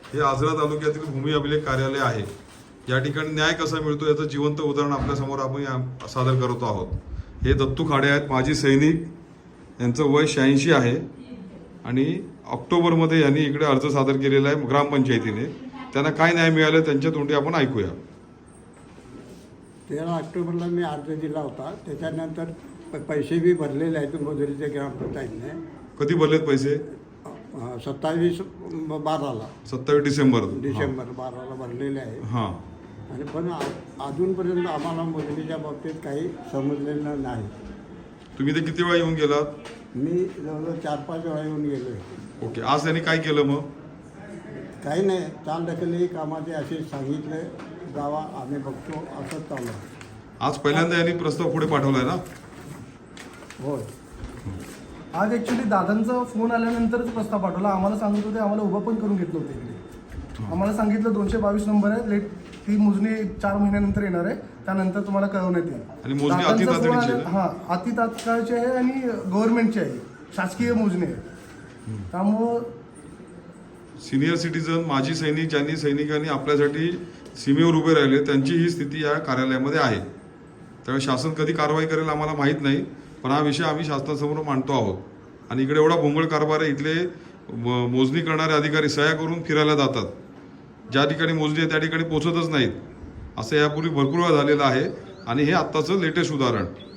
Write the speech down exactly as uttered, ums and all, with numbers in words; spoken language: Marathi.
हे आजरा तालुक्यातील भूमी अभिलेख कार्यालय आहे। या ठिकाणी न्याय कसा मिळतो याचं जिवंत उदाहरण आपल्यासमोर आपण सादर करत आहोत। हे दत्तू खाडे आहेत, माजी सैनिक, यांचं वय शहाऐंशी आहे आणि ऑक्टोबरमध्ये यांनी इकडे अर्ज सादर केलेला आहे ग्रामपंचायतीने। त्यांना काय न्याय मिळालं त्यांच्या तोंडी आपण ऐकूया। तेरा ऑक्टोबरला मी अर्ज दिला होता, त्याच्यानंतर पैसे बी भरलेले आहेत मोजरीच्या ग्रामपंचायतीने। कधी भरलेत पैसे? सत्तावीस बाराला सत्तावीस डिसेंबर डिसेंबर बाराला भरलेले आहे। हां आणि पण अजूनपर्यंत आम्हाला मोजरीच्या बाबतीत काही समजलेलं नाही। तुम्ही ते किती वेळा येऊन गेलात? मी जवळजवळ चार पाच वेळा येऊन गेलो आहे। ओके, आज त्यांनी काय केलं मग? काही नाही, चाल ढकलही कामाचे असे सांगितले जावा, आम्ही बघतो असंच चालू आहे। आज पहिल्यांदा यांनी प्रस्ताव पुढे पाठवलाय ना? होय, आज ॲक्च्युली दादांचा फोन आल्यानंतरच प्रस्ताव पाठवला। आम्हाला सांगत होते, आम्हाला उभं पण करून घेतलं होतं इकडे। आम्हाला सांगितलं दोनशे बावीस नंबर आहे, लेट ती मोजणी चार महिन्यानंतर येणार आहे, त्यानंतर तुम्हाला कळवण्यात येईल। आणि मोजणी अति तातडीची आहे? हां, अति तात्काळची आहे आणि गव्हर्नमेंटची आहे, शासकीय मोजणी आहे। त्यामुळं सिनियर सिटीजन, माजी सैनिक, ज्यांनी सैनिकांनी आपल्यासाठी सीमेवर उभे राहिले, त्यांची ही स्थिती या कार्यालयामध्ये आहे। त्यामुळे शासन कधी कारवाई करेल आम्हाला माहीत नाही, पण हा विषय आम्ही शासनासमोर मांडतो आहोत। आणि इकडे एवढा भोंगळ कारभार आहे, इथले मोजणी करणारे अधिकारी सह्या करून फिरायला जातात, ज्या ठिकाणी मोजणी आहे त्या ठिकाणी पोहोचतच नाहीत। असं यापूर्वी भरपूर वेळा झालेलं आहे आणि हे आत्ताचं लेटेस्ट उदाहरण।